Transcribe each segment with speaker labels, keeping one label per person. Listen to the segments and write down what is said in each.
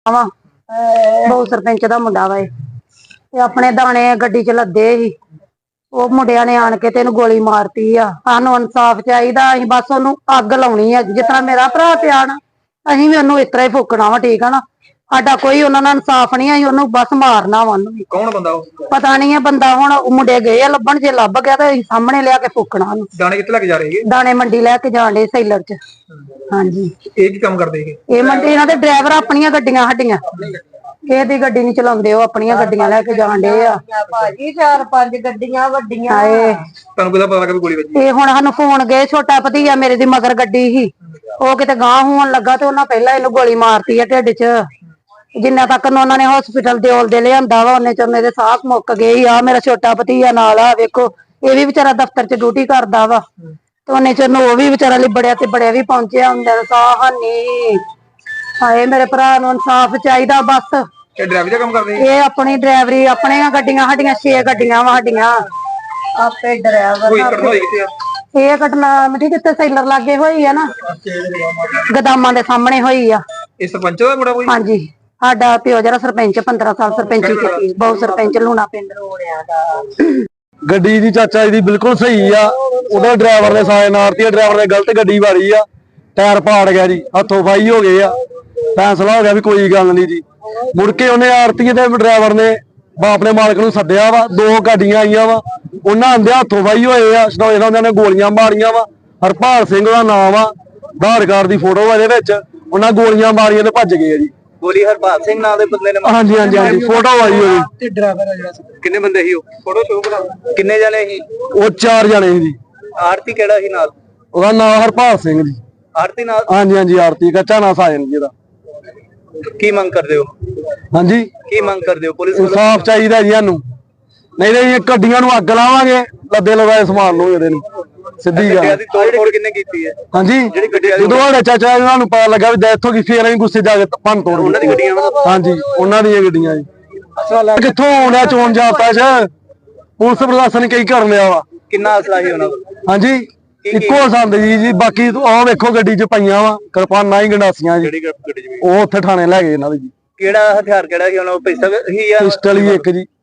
Speaker 1: ਵਾ ਬਹੁਤ ਸਰਪੰਚ ਦਾ ਮੁੰਡਾ ਵਾ ਤੇ ਆਪਣੇ ਦਾਣੇ ਗੱਡੀ ਚ ਲੱਦੇ ਸੀ। ਉਹ ਮੁੰਡਿਆਂ ਨੇ ਆਣ ਕੇ ਤੇ ਇਹਨੂੰ ਗੋਲੀ ਮਾਰਤੀ ਆ। ਸਾਨੂੰ ਇਨਸਾਫ ਚਾਹੀਦਾ। ਅਸੀਂ ਬਸ ਉਹਨੂੰ ਅੱਗ ਲਾਉਣੀ ਆ, ਜਿਸ ਤਰ੍ਹਾਂ ਮੇਰਾ ਭਰਾ ਪਿਆ ਨਾ ਅਸੀਂ ਵੀ ਉਹਨੂੰ ਇਸ ਤਰ੍ਹਾਂ ਹੀ ਫੂਕਣਾ ਵਾ। ਠੀਕ ਆ ਨਾ, ਸਾਡਾ ਕੋਈ ਉਹਨਾਂ ਨਾਲ ਇਨਸਾਫ ਨਹੀਂ। ਅਸੀਂ ਉਹਨੂੰ ਬਸ ਮਾਰਨਾ ਵਾ। ਉਹਨੂੰ
Speaker 2: ਕੌਣ ਬੰਦਾ ਉਹ?
Speaker 1: ਪਤਾ ਨਹੀਂ ਹੈ ਬੰਦਾ। ਹੁਣ ਮੁੰਡੇ ਗਏ ਆ ਲੱਭਣ, ਜੇ ਲੱਭ ਗਿਆ ਤਾਂ ਅਸੀਂ ਸਾਹਮਣੇ ਲਿਆ ਕੇ ਫੂਕਣਾ ਉਹਨੂੰ।
Speaker 2: ਦਾਣੇ ਕਿੱਥੇ ਲੈ ਕੇ ਜਾ ਰਹੇ ਹੈਗੇ?
Speaker 1: ਦਾਣੇ ਮੰਡੀ ਲੈ ਕੇ ਜਾਣ ਡੇ ਸੈਲਰ ਚ। ਹਾਂਜੀ।
Speaker 2: ਇਹ ਕੀ ਕੰਮ ਕਰਦੇ ਹੈਗੇ?
Speaker 1: ਇਹ ਮੰਡੀ ਇਹਨਾਂ ਦੇ ਡਰਾਈਵਰ ਆਪਣੀਆਂ ਗੱਡੀਆਂ ਸਾਡੀਆਂ ਇਹਦੀ ਗੱਡੀ ਨਹੀਂ ਚਲਾਉਂਦੇ, ਉਹ ਆਪਣੀਆਂ ਗੱਡੀਆਂ ਲੈ ਕੇ ਜਾਣ ਡੇ ਆ
Speaker 3: ਭਾਜੀ। 4-5 ਗੱਡੀਆਂ ਵੱਡੀਆਂ।
Speaker 2: ਤੁਹਾਨੂੰ ਕਿਹਦਾ ਪਤਾ ਲੱਗਾ ਵੀ ਗੋਲੀ ਵੱਜੀ?
Speaker 1: ਇਹ ਹੁਣ ਸਾਨੂੰ ਫੋਨ ਗਏ, ਛੋਟਾ ਭਤੀਆ ਮੇਰੇ ਦੀ ਮਗਰ ਗੱਡੀ ਸੀ, ਉਹ ਕਿਤੇ ਗਾਂਹ ਹੋਣ ਲੱਗਾ ਤੇ ਉਹਨਾਂ ਪਹਿਲਾਂ ਇਹਨੂੰ ਗੋਲੀ ਮਾਰਤੀ ਆ ਢਿੱਡ ਚ। ਜਿੰਨਾ ਤੱਕ ਉਹਨਾਂ ਨੇ ਹਸਪੀਟਲ ਦੇ ਲਿਆਂਦਾ ਵਾ ਉਹਨੇ ਚ ਮੇਰੇ ਸਾਹ ਮੁੱਕ ਗਏ ਆ। ਮੇਰਾ ਛੋਟਾ ਭਤੀਆ ਨਾਲ ਆ, ਵੇਖੋ ਇਹ ਵੀ ਵਿਚਾਰਾ ਦਫ਼ਤਰ ਚ ਡਿਊਟੀ ਕਰਦਾ ਵਾ ਤੇ ਉਹਨੇ ਚ ਉਹ ਵੀ ਵਿਚਾਰਾ ਲਿਬੜਿਆ ਤੇ ਬੜਿਆ ਵੀ ਪਹੁੰਚਿਆ ਹੁੰਦਾ। ਸਾਹ ਹਾਨੀ। ਹਾਏ ਮੇਰੇ ਭਰਾ ਨੂੰ ਇਨਸਾਫ ਚਾਹੀਦਾ ਬਸ।
Speaker 2: ਇਹ ਡਰਾਈਵਰ ਦਾ ਕੰਮ ਕਰਦੇ?
Speaker 1: ਇਹ ਆਪਣੀ ਡਰਾਈਵਰੀ ਆਪਣੀਆਂ ਗੱਡੀਆਂ ਸਾਡੀਆਂ 6 ਗੱਡੀਆਂ ਵਾ ਸਾਡੀਆਂ।
Speaker 3: ਆਪੇ ਡਰਾਈਵਰ
Speaker 2: ਕੋਈ ਘਟਨਾ ਹੋਈ ਕਿੱਥੇ ਆ?
Speaker 1: ਇਹ ਘਟਨਾ ਮਿੱਟੀ ਕਿੱਥੇ ਸੈਲਰ ਲਾਗੇ ਹੋਈ ਆ ਨਾ, ਗਦਾਮਾਂ ਦੇ ਸਾਹਮਣੇ ਹੋਈ ਆ।
Speaker 2: ਇਹ ਸਰਪੰਚ ਦਾ ਮੁੰਡਾ ਕੋਈ?
Speaker 1: ਹਾਂਜੀ, ਸਾਡਾ ਪਿਓ ਜਿਹੜਾ ਸਰਪੰਚ 15 ਸਾਲ ਸਰਪੰਚੀ ਕੀਤੀ, ਬਹੁਤ ਸਰਪੰਚ ਲੂਣਾ ਪਿੰਡ ਰੋੜਿਆ ਦਾ।
Speaker 4: ਗੱਡੀ ਦੀ ਚਾਚਾ ਜੀ ਬਿਲਕੁਲ ਸਹੀ ਆ। ਉਹਦਾ ਡਰਾਈਵਰ ਨੇ ਸਾਇਨ ਮਾਰਤੀ, ਡਰਾਈਵਰ ਨੇ ਗਲਤ ਗੱਡੀ ਵਾਰੀ ਆ, ਟਾਇਰ ਪਾੜ ਗਿਆ ਜੀ, ਹੱਥੋਂ ਫਾਈ ਹੋ ਗਏ ਆ। ਫੈਸਲਾ ਹੋ ਗਿਆ ਵੀ ਕੋਈ ਗੱਲ ਨਹੀਂ ਜੀ। ਮੁੜ ਕੇ ਉਹਨੇ ਆਰਤੀ ਦੇ ਡਰਾਈਵਰ ਨੇ ਬਾਪ ਨੇ ਮਾਲਕ ਨੂੰ ਸੱਦਿਆ ਵਾ। 2 ਗੱਡੀਆਂ ਆਈਆਂ ਵਾ, ਉਹਨਾਂ ਆਂਦੇ ਹੱਥੋਂ ਫਾਈ ਹੋਏ ਆ। ਸਟੋਏ ਨਾਲ ਉਹਨਾਂ ਨੇ ਗੋਲੀਆਂ ਮਾਰੀਆਂ ਵਾ। ਹਰਪਾਲ ਸਿੰਘ ਦਾ ਨਾਮ ਆ, ਆਧਾਰ ਕਾਰਡ ਦੀ ਫੋਟੋ ਆ ਇਹਦੇ ਵਿੱਚ। ਉਹਨਾਂ ਗੋਲੀਆਂ ਮਾਰੀਆਂ ਤੇ ਭੱਜ ਗਏ ਆ ਜੀ।
Speaker 2: ਗੋਲੀ ਹਰਪਾਲ ਸਿੰਘ ਨਾਂ ਦੇ ਬੰਦੇ ਨੇ?
Speaker 4: ਹਾਂਜੀ ਹਾਂਜੀ ਹਾਂਜੀ, ਫੋਟੋ ਆਈ ਹੋਈ।
Speaker 2: ਤੇ ਡਰਾਈਵਰ ਆ ਜਿਹੜਾ, ਕਿੰਨੇ ਬੰਦੇ ਸੀ ਉਹ? ਫੋਟੋ ਸ਼ੋਅ ਕਰਾ। ਕਿੰਨੇ ਜਣੇ ਸੀ
Speaker 4: ਉਹ? 4 ਜਣੇ ਸੀ ਜੀ।
Speaker 2: ਆਰਤੀ ਕਿਹੜਾ ਸੀ ਨਾਲ?
Speaker 4: ਉਹਦਾ ਨਾਮ ਹਰਪਾਲ ਸਿੰਘ ਜੀ।
Speaker 2: ਆਰਤੀ ਨਾਲ?
Speaker 4: ਹਾਂਜੀ ਹਾਂਜੀ, ਆਰਤੀ ਕੱਚਾ ਨਾ ਸਾਜਨ ਜੀ ਦਾ।
Speaker 2: ਕੀ ਮੰਗ ਕਰਦੇ ਹੋ?
Speaker 4: ਹਾਂਜੀ,
Speaker 2: ਕੀ ਮੰਗ ਕਰਦੇ ਹੋ? ਪੁਲਿਸ
Speaker 4: ਇਨਸਾਫ ਚਾਹੀਦਾ ਜੀ ਸਾਨੂੰ, ਨਹੀਂ ਤਾਂ ਇਹ ਗੱਡੀਆਂ ਨੂੰ ਅੱਗ ਲਾਵਾਂਗੇ। ਲੱਦੇ ਲਗਾਏ ਸਮਾਨ ਨੂੰ ਇਹਦੇ ਨੂੰ ਸਿੱਧੀ ਗੱਲ।
Speaker 2: ਗੱਡੀਆਂ ਦੀ ਤੋੜ ਕਿੰਨੇ ਕੀਤੀ ਹੈ?
Speaker 4: ਹਾਂਜੀ,
Speaker 2: ਜਿਹੜੀ ਗੱਡੀਆਂ
Speaker 4: ਜਦੋਂ ਸਾਡੇ ਚਾਚਾ ਇਹਨਾਂ ਨੂੰ ਪਤਾ ਲੱਗਾ ਵੀ ਡੈਥ ਹੋ ਗਈ, ਫੇਰ ਅਸੀਂ ਗੁੱਸੇ ਜਾ ਕੇ ਭੰਨ ਤੋੜ
Speaker 2: ਉਹਨਾਂ ਦੀ ਗੱਡੀਆਂ?
Speaker 4: ਹਾਂਜੀ, ਉਹਨਾਂ ਦੀਆਂ ਗੱਡੀਆਂ ਜੀ। ਕਿੱਥੋਂ ਆਉਣਾ ਚੋਣ ਜਾਪਦਾ ਚ? ਪੁਲਿਸ ਪ੍ਰਸ਼ਾਸਨ ਕਈ ਕਰ ਲਿਆ ਵਾ।
Speaker 2: ਕਿੰਨਾ ਅਸਲਾ ਸੀ ਉਹਨਾਂ ਕੋਲ?
Speaker 4: ਹਾਂਜੀ, ਇੱਕੋ ਸੰਦ ਜੀ। ਬਾਕੀ ਆਹ ਵੇਖੋ ਗੱਡੀ ਚ ਪਈਆਂ ਵਾ ਕਿਰਪਾਨਾਂ ਹੀ ਗੰਡਾਸੀਆਂ ਜੀ।
Speaker 2: ਜਿਹੜੀ ਗੱਡੀ ਚ?
Speaker 4: ਉਹ ਉੱਥੇ ਥਾਣੇ ਲੈ ਗਏ ਇਹਨਾਂ ਦੇ ਜੀ।
Speaker 2: ਕਿਹੜਾ ਹਥਿਆਰ ਕਿਹੜਾ ਸੀ ਉਹਨਾਂ ਕੋਲ? ਪਿਸਤਲ ਸੀ ਜਾਂ
Speaker 4: ਪਿਸਟਲ ਹੀ ਇੱਕ ਜੀ।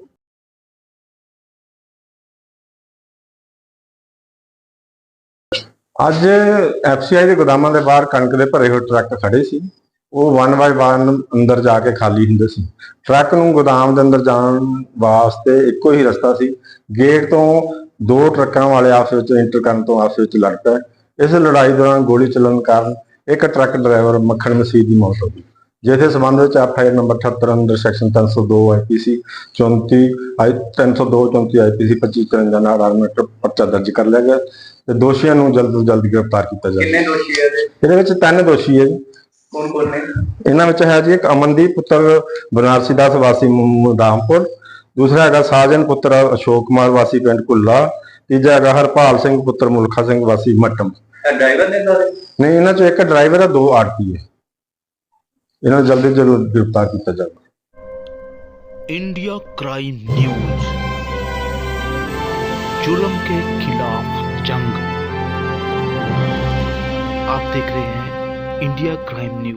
Speaker 5: ਅੱਜ ਐਫਸੀਆਈ ਦੇ ਗੋਦਾਮਾਂ ਦੇ ਬਾਹਰ ਕਣਕ ਦੇ ਭਰੇ ਹੋਏ ਟਰੱਕ ਖੜੇ ਸੀ। ਉਹ 1 ਬਾਈ 1 ਅੰਦਰ ਜਾ ਕੇ ਖਾਲੀ ਹੁੰਦੇ ਸੀ। ਟਰੱਕ ਨੂੰ ਗੋਦਾਮ ਦੇ ਅੰਦਰ ਜਾਣ ਵਾਸਤੇ ਇੱਕੋ ਹੀ ਰਸਤਾ ਸੀ। ਗੇਟ ਤੋਂ 2 ਟਰੱਕਾਂ ਵਾਲੇ ਆਪਸ ਵਿੱਚ ਇੰਟਰ ਕਰਨ ਤੋਂ ਆਪਸ ਵਿੱਚ ਲੜ ਪਏ। ਇਸ ਲੜਾਈ ਦੌਰਾਨ ਗੋਲੀ ਚੱਲਣ ਕਾਰਨ ਇੱਕ ਟਰੱਕ ਡਰਾਈਵਰ ਮੱਖਣ ਮਸੀਹ ਦੀ ਮੌਤ ਹੋ ਗਈ, ਜਿਸ ਦੇ ਸੰਬੰਧ ਵਿੱਚ ਐਫਆਈਆਰ ਨੰਬਰ 78 ਅੰਦਰ ਸੈਕਸ਼ਨ 302 ਆਈਪੀਸੀ 34 302 34 ਆਈਪੀਸੀ 2553 ਨਾਲ ਆਰਮੇਟਰ ਪਰਚਾ ਦਰਜ ਕਰ ਲਿਆ ਗਿਆ ਤੇ ਦੋਸ਼ੀਆਂ ਨੂੰ ਜਲਦ ਤੋਂ ਜਲਦ ਗ੍ਰਿਫਤਾਰ ਕੀਤਾ ਜਾਵੇ।
Speaker 2: ਕਿੰਨੇ ਦੋਸ਼ੀ ਹੈ
Speaker 5: ਇਹਦੇ ਵਿੱਚ 3 ਦੋਸ਼ੀ ਹੈ ਜੀ।
Speaker 2: ਕੌਣ ਨੇ?
Speaker 5: ਇਹਨਾਂ ਵਿੱਚ ਹੈ ਜੀ ਇੱਕ ਅਮਨਦੀਪ ਪੁੱਤਰ ਬਨਾਰਸੀ ਦਾਸ ਵਾਸੀ ਮੁਦਾਮਪੁਰ, ਦੂਸਰਾ ਹੈਗਾ ਸਾਜਨ ਪੁੱਤਰ ਅਸ਼ੋਕ ਕੁਮਾਰ ਵਾਸੀ ਪਿੰਡ ਕੁੱਲਾ, ਤੀਜਾ ਹੈਗਾ ਹਰਪਾਲ ਸਿੰਘ ਪੁੱਤਰ ਮੁਲਖਾ ਸਿੰਘ ਵਾਸੀ ਮੱਟਮ।
Speaker 2: ਡਰਾਈਵਰ ਨੇ ਸਾਰੇ?
Speaker 5: ਨਹੀਂ, ਇਹਨਾਂ ਚੋਂ ਇੱਕ ਡਰਾਈਵਰ ਹੈ, 2 ਆੜਤੀ ਹੈ। ਇਹਨਾਂ ਨੂੰ ਜਲਦੀ ਜਲਦ गिरफ्तार किया जाए।
Speaker 6: इंडिया क्राइम न्यूज, जुर्म के खिलाफ जंग। आप देख रहे हैं इंडिया क्राइम न्यूज।